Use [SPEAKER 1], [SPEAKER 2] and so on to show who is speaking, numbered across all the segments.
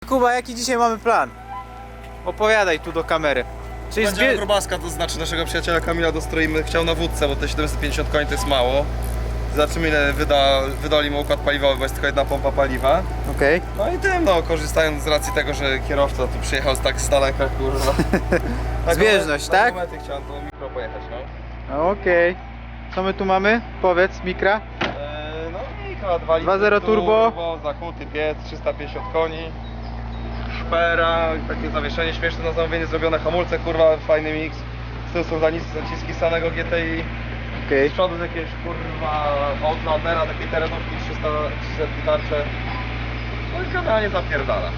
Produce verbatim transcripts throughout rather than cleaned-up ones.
[SPEAKER 1] Kuba, jaki dzisiaj mamy plan? Opowiadaj tu do kamery. Czyli
[SPEAKER 2] Będziemy
[SPEAKER 1] zbie...
[SPEAKER 2] grubaska, to znaczy naszego przyjaciela Kamila dostroimy. Chciał na wódce, bo te siedemset pięćdziesiąt koni to jest mało. Zobaczymy ile wyda, wydali mu układ paliwowy, bo jest tylko jedna pompa paliwa.
[SPEAKER 1] Okej. Okay.
[SPEAKER 2] No i tym, no, korzystając z racji tego, że kierowca tu przyjechał z tak z daleka, kurwa. Tak,
[SPEAKER 1] Zbieżność,
[SPEAKER 2] na
[SPEAKER 1] tak?
[SPEAKER 2] momenty chciałem do mikro pojechać, no.
[SPEAKER 1] Okej. Okay. Co my tu mamy? Powiedz, mikra.
[SPEAKER 2] Eee, no mikro, dwa
[SPEAKER 1] dwa zero turbo.
[SPEAKER 2] turbo, zakuty piec, trzysta pięćdziesiąt koni. Szpera, takie zawieszenie śmieszne na zamówienie zrobione, hamulce, kurwa, fajny miks. Z tyłu są zaciski samego G T I.
[SPEAKER 1] Okej.
[SPEAKER 2] Z przodu z jakiegoś kurwa Outlandera, takiej terenówki trzysta tarcze. No i generalnie zapierdala.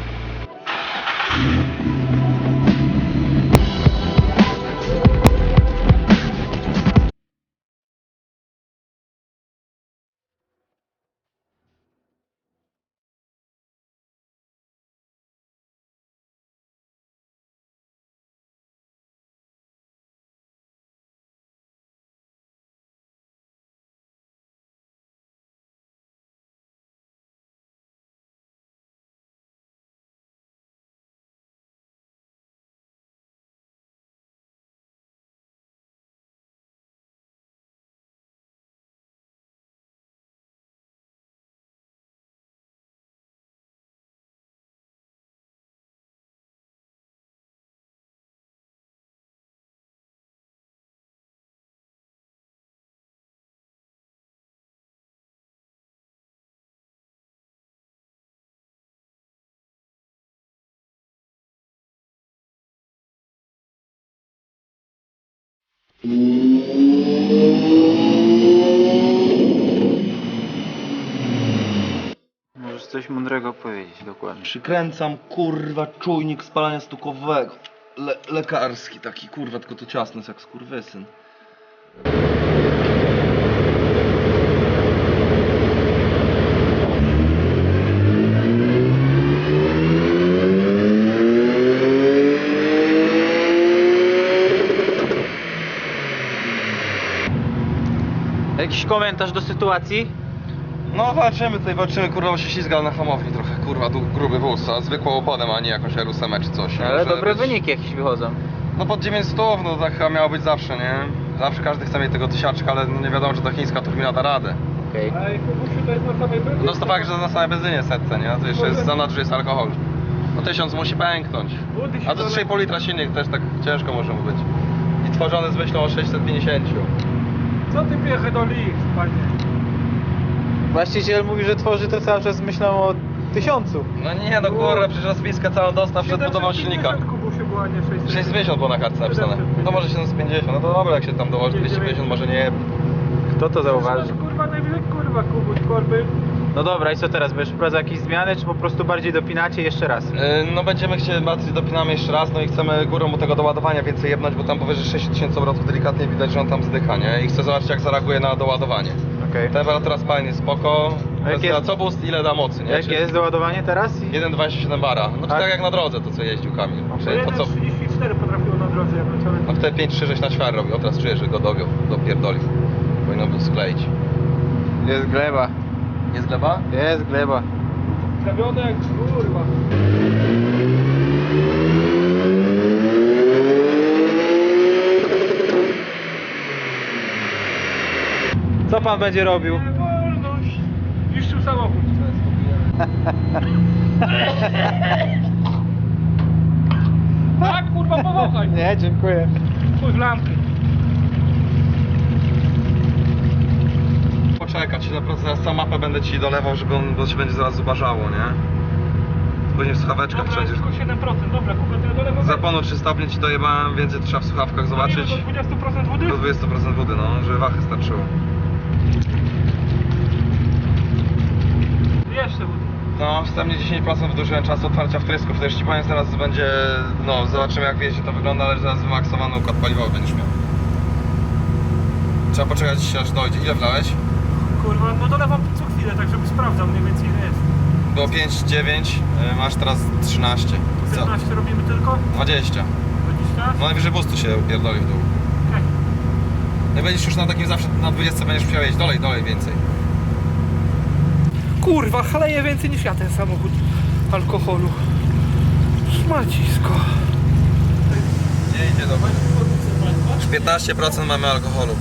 [SPEAKER 1] Możesz coś mądrego powiedzieć dokładnie.
[SPEAKER 2] Przykręcam kurwa czujnik spalania stukowego. Le lekarski taki kurwa, tylko to ciasny jest jak skurwysyn.
[SPEAKER 1] Jakiś komentarz do sytuacji?
[SPEAKER 2] No walczymy tutaj, walczymy, kurwa, bo się ślizgał na hamowni trochę, kurwa, tu gruby wóz, a zwykłą oponem, a nie jakąś R ósem czy coś.
[SPEAKER 1] Ale
[SPEAKER 2] Może
[SPEAKER 1] dobre
[SPEAKER 2] być...
[SPEAKER 1] wyniki jakieś wychodzą.
[SPEAKER 2] No pod dziewięćset, no tak chyba miało być zawsze, nie? Zawsze każdy chce mieć tego tysiaczka, ale no nie wiadomo, czy ta chińska turbina da radę.
[SPEAKER 1] Okej.
[SPEAKER 3] Ale Kubusiu to jest na samej benzynie?
[SPEAKER 2] No to fakt, że na samej benzynie setce, nie? A to jeszcze jest za nadrzu jest alkohol. No tysiąc musi pęknąć. A to trzy i pół litra silnik też tak ciężko może mu być. I tworzony z myślą o sześćset pięćdziesiąt.
[SPEAKER 3] Co ty piechę do lich, panie?
[SPEAKER 1] Właściciel mówi, że tworzy to cały czas z myślą o tysiącu.
[SPEAKER 2] No nie, no kurwa, przecież rozpiskę całą dostał przed budową silnika.
[SPEAKER 3] Kubusiu była, nie sześćset.
[SPEAKER 2] sześćset pięćdziesiąt było na kartce napisane. To może siedemset pięćdziesiąt, no to dobra, jak się tam dołoży dwieście pięćdziesiąt, może nie.
[SPEAKER 1] Kto to zauważy?
[SPEAKER 3] Kurwa, najwyżej kurwa, Kubuś, korby.
[SPEAKER 1] No dobra, i co teraz? Będziesz wprowadzał jakieś zmiany, czy po prostu bardziej dopinacie jeszcze raz?
[SPEAKER 2] Yy, no będziemy chcieli, bardziej dopinamy jeszcze raz, no i chcemy górą mu tego doładowania więcej jebnąć, bo tam powyżej sześć tysięcy obrotów delikatnie widać, że on tam zdycha, nie? I chcę zobaczyć, jak zareaguje na doładowanie.
[SPEAKER 1] Okej.
[SPEAKER 2] Temperatura spalania jest spoko.
[SPEAKER 1] A jak
[SPEAKER 2] Kwestia,
[SPEAKER 1] jest-
[SPEAKER 2] co boost, ile da mocy, nie?
[SPEAKER 1] Jakie
[SPEAKER 2] Czy
[SPEAKER 1] jest doładowanie teraz?
[SPEAKER 2] jeden przecinek dwadzieścia siedem bara. No to
[SPEAKER 1] A-
[SPEAKER 2] tak jak na drodze to, co jeździł Kamil.
[SPEAKER 3] To
[SPEAKER 2] Czyli to co...
[SPEAKER 3] jeden trzydzieści cztery potrafiło na drodze, jak leciałem.
[SPEAKER 2] No wtedy pięć trzy sześć na ćwiar robił, o teraz czuję, że go dogiął, dopierdolił. Powinno był skleić.
[SPEAKER 1] Jest gleba.
[SPEAKER 2] Jest gleba?
[SPEAKER 1] Jest gleba.
[SPEAKER 3] Trawione jak kurwa.
[SPEAKER 1] Co pan będzie robił?
[SPEAKER 3] Nie wolność. Niszczył samochód. Tak, kurwa, powąchaj.
[SPEAKER 1] Nie, dziękuję.
[SPEAKER 3] Spójrz lampy.
[SPEAKER 2] Poczekać, na prostu zaraz całą mapę będę ci dolewał, żeby on, bo się będzie zaraz zubażało, nie? Później w słuchaweczkach
[SPEAKER 3] Dobra,
[SPEAKER 2] wszędzie.
[SPEAKER 3] jest tylko siedem procent. Dobra, kupię tyle do lewo.
[SPEAKER 2] Zaponu trzy stopnie ci dojebałem, więcej trzeba w słuchawkach zobaczyć.
[SPEAKER 3] Do dwadzieścia procent wody?
[SPEAKER 2] Do dwadzieścia procent wody, no, żeby wachy starczyło.
[SPEAKER 3] Jeszcze wody.
[SPEAKER 2] No, wstępnie dziesięć procent wydłużyłem czasu otwarcia wtrysków, to już ci powiem, zaraz będzie, no, zobaczymy jak wiecie to wygląda, ale zaraz wymaksowany układ paliwowy będziesz miał. Trzeba poczekać aż dojdzie. Ile wlałeś?
[SPEAKER 3] Kurwa, no dolewam co chwilę, tak żeby sprawdzał mniej więcej ile jest.
[SPEAKER 2] Było pięć dziewięć, masz teraz trzynaście. Co?
[SPEAKER 3] piętnaście robimy tylko?
[SPEAKER 2] dwadzieścia.
[SPEAKER 3] dwadzieścia?
[SPEAKER 2] No najwyżej boostu się upierdoli w dół.
[SPEAKER 3] Okej.
[SPEAKER 2] No i będziesz już na takim zawsze, na dwudziestce będziesz musiał jeść, dolej, dolej więcej.
[SPEAKER 3] Kurwa, chaleje więcej niż ja ten samochód. alkoholu. Szmacisko.
[SPEAKER 2] Nie idzie dobrze. Już piętnaście procent mamy alkoholu.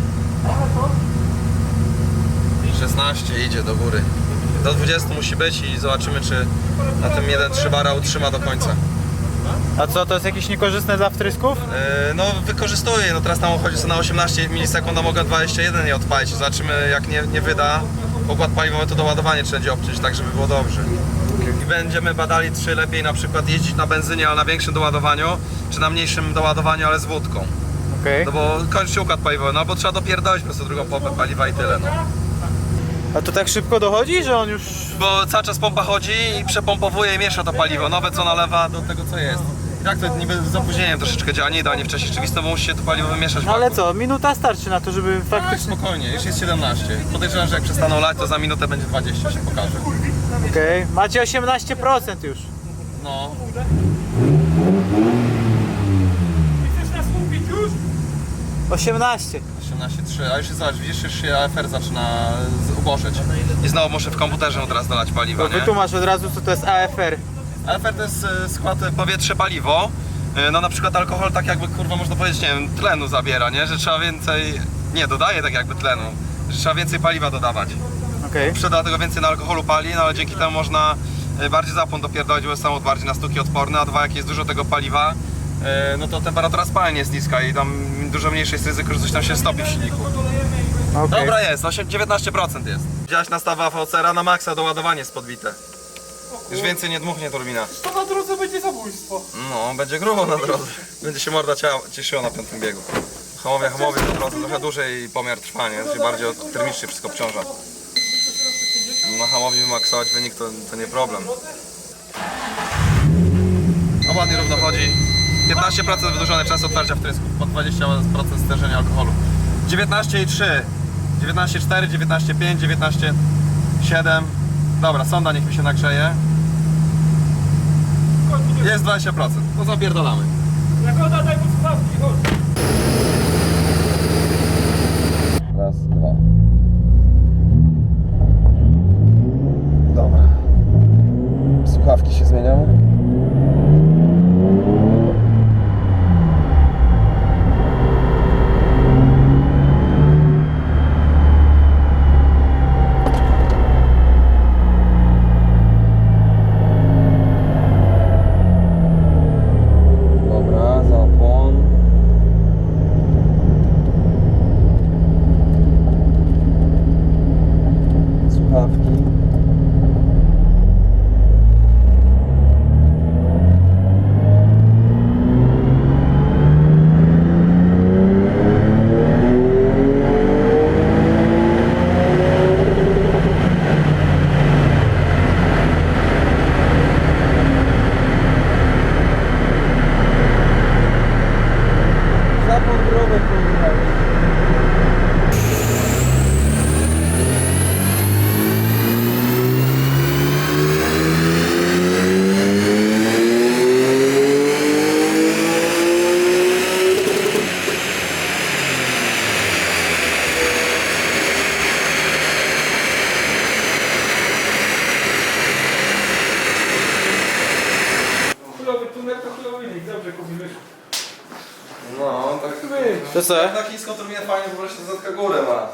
[SPEAKER 2] szesnaście idzie do góry. Do dwudziestu musi być i zobaczymy, czy na tym jeden trzy bara utrzyma do końca.
[SPEAKER 1] A co, to jest jakieś niekorzystne dla wtrysków?
[SPEAKER 2] Yy, no wykorzystuję, no teraz tam chodzi co na osiemnaście milisekund, a mogę dwadzieścia jeden nie odpalić. Zobaczymy, jak nie, nie wyda pokład paliwowy, to doładowanie trzeba będzie obciąć, tak żeby było dobrze. I będziemy badali, czy lepiej na przykład jeździć na benzynie, ale na większym doładowaniu, czy na mniejszym doładowaniu, ale z wódką.
[SPEAKER 1] Okej.
[SPEAKER 2] No bo kończy się układ paliwowy, no bo trzeba dopierdolić po prostu drugą pompę paliwa i tyle, no.
[SPEAKER 1] A to tak szybko dochodzi, że on już...
[SPEAKER 2] Bo cały czas pompa chodzi i przepompowuje i miesza to paliwo, nowe co nalewa do tego co jest. I tak to niby z opóźnieniem troszeczkę działa, nie idealnie wcześniej rzeczywisto, bo musi się to paliwo wymieszać w
[SPEAKER 1] No ale
[SPEAKER 2] baku.
[SPEAKER 1] co, minuta starczy na to, żeby
[SPEAKER 2] Tak,
[SPEAKER 1] faktycznie...
[SPEAKER 2] spokojnie, już jest siedemnaście. Podejrzewam, że jak przestaną lać, to za minutę będzie dwadzieścia, się pokaże.
[SPEAKER 1] Okej, macie osiemnaście procent już.
[SPEAKER 2] No.
[SPEAKER 3] Chcesz nas kupić już?
[SPEAKER 1] osiemnaście.
[SPEAKER 2] osiemnaście przecinek trzy, a już jest, zobacz, widzisz, już się A F R zaczyna z- ubożeć. I znowu muszę w komputerze od razu dolać paliwa,
[SPEAKER 1] To
[SPEAKER 2] nie?
[SPEAKER 1] wytłumacz od razu, co to jest A F R.
[SPEAKER 2] A F R to jest e, skład powietrze-paliwo. E, No na przykład alkohol tak jakby, kurwa, można powiedzieć, nie wiem, tlenu zabiera, nie? Że trzeba więcej, nie, dodaje tak jakby tlenu, że trzeba więcej paliwa dodawać.
[SPEAKER 1] Okej.
[SPEAKER 2] Przyda tego więcej na alkoholu pali, no ale dzięki temu można e, bardziej zapłon dopierdolić, bo jest samochód bardziej na stuki odporny, a dwa, jak jest dużo tego paliwa, e, no to temperatura spalania jest niska i tam dużo mniejsze jest ryzyko, że coś tam się stopi w silniku.
[SPEAKER 1] Okej.
[SPEAKER 2] Dobra jest, osiem, dziewiętnaście procent jest. Widziałeś nastawę A V C R na maksa, doładowanie jest podbite. Już więcej nie dmuchnie turbina.
[SPEAKER 3] To na drodze będzie zabójstwo.
[SPEAKER 2] No, będzie grubo na drodze. Będzie się morda ciała, cieszyła na piątym biegu. Hamowie, hamowie na drodze trochę dłużej pomiar trwania, się bardziej od- termicznie wszystko obciąża. Na hamowi wymaksować wynik to, to nie problem. No ładnie równo chodzi. piętnaście procent wydłużony czas otwarcia wtrysków, po dwadzieścia procent stężenia alkoholu. dziewiętnaście i trzy, dziewiętnaście i cztery, dziewiętnaście i pięć, dziewiętnaście i siedem. Dobra, sonda niech mi się nagrzeje. Jest dwadzieścia procent, to zapierdalamy.
[SPEAKER 3] Jagoda, daj mu słuchawki, chodź.
[SPEAKER 2] Raz, dwa. Dobra. Słuchawki się zmieniają. Dobra, zapłon. Słuchawki. Zapłon grubek pojechał.
[SPEAKER 3] Chujowy tuner to chujowy wynik, dobrze kupimy.
[SPEAKER 2] No, tak.
[SPEAKER 1] To co?
[SPEAKER 2] Na chińską turbinę fajnie, po prostu zatka górę ma.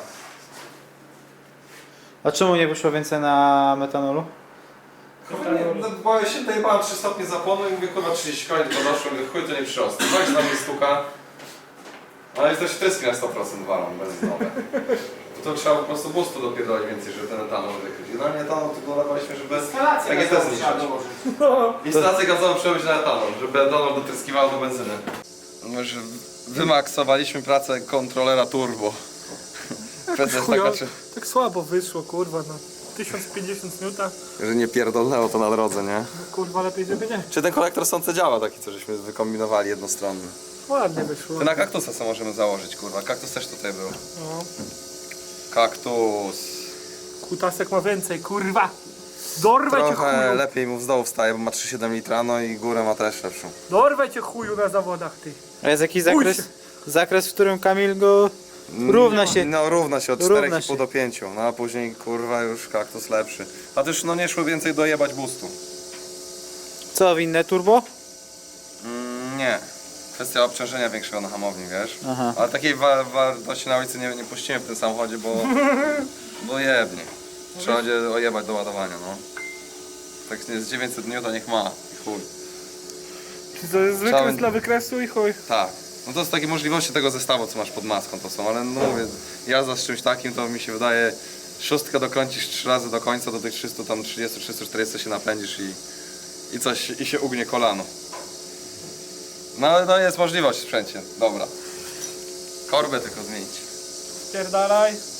[SPEAKER 1] A czemu nie wyszło więcej na metanolu?
[SPEAKER 2] No, bo ja się tutaj bałem trzy stopnie zapłonu i mówię, kurwa trzydzieści koni tylko doszło, mówię, chuj to nie przyrosło. Chodź tam jest stuka. Ale jest też wtryski na sto procent walą benzynowe. To trzeba po prostu boostu dopierdolić więcej, żeby ten etanol wykryć. No nie etanol, tylko dolewaliśmy, żeby
[SPEAKER 4] Instalację
[SPEAKER 2] tak jest
[SPEAKER 4] gazową
[SPEAKER 2] zniszczyć.
[SPEAKER 4] trzeba dołożyć.
[SPEAKER 2] Instalację gazową przerobić na etanol, żeby etanol dotryskiwał do benzyny. No, że wymaksowaliśmy pracę kontrolera turbo. Kwestia jest taka, czy...
[SPEAKER 3] Tak słabo wyszło, kurwa, na tysiąc pięćdziesiąt newta.
[SPEAKER 2] że nie pierdolnęło to na drodze, nie?
[SPEAKER 3] Kurwa, lepiej żeby nie.
[SPEAKER 2] Czy ten kolektor sące działa taki, co żeśmy wykombinowali jednostronny?
[SPEAKER 3] Ładnie wyszło.
[SPEAKER 2] Ty na kaktusa co możemy założyć, kurwa. Kaktus też tutaj był.
[SPEAKER 3] No.
[SPEAKER 2] Kaktus.
[SPEAKER 3] Kutasek ma więcej, kurwa. Dorwę cię
[SPEAKER 2] Trochę
[SPEAKER 3] chuju.
[SPEAKER 2] lepiej mu w dołu wstaje, bo ma trzy przecinek siedem litra, no i górę ma też lepszą.
[SPEAKER 3] Dorwę cię chuju na zawodach, ty.
[SPEAKER 1] A jest jakiś zakres, zakres, w którym Kamil go równa się.
[SPEAKER 2] No równa się od
[SPEAKER 1] Równa
[SPEAKER 2] czterech i pół
[SPEAKER 1] się.
[SPEAKER 2] do pięciu, no a później kurwa już kaktus lepszy. A też no nie szło więcej dojebać boostu.
[SPEAKER 1] Co, winne turbo?
[SPEAKER 2] Mm, nie. Kwestia obciążenia większego na hamowni, wiesz?
[SPEAKER 1] Aha.
[SPEAKER 2] Ale takiej wa wartości na ulicy nie, nie puścimy w tym samochodzie, bo... bo jebnie. Trzeba będzie ojebać do ładowania, no. Tak jest dziewięćset dni, to niech ma. I chuj.
[SPEAKER 3] To jest wykres
[SPEAKER 2] Trzeba-
[SPEAKER 3] dla wykresu i chuj.
[SPEAKER 2] Tak. No to są takie możliwości tego zestawu, co masz pod maską, to są, ale no mówię, jazda z czymś takim to mi się wydaje, szóstkę dokręcisz trzy razy do końca, do tych trzystu, tam trzydziestu, trzystu czterdziestu się napędzisz i, i coś, i się ugnie kolano. No ale no jest możliwość w sprzęcie, dobra. Korbę tylko zmienić.
[SPEAKER 3] Pierdalaj.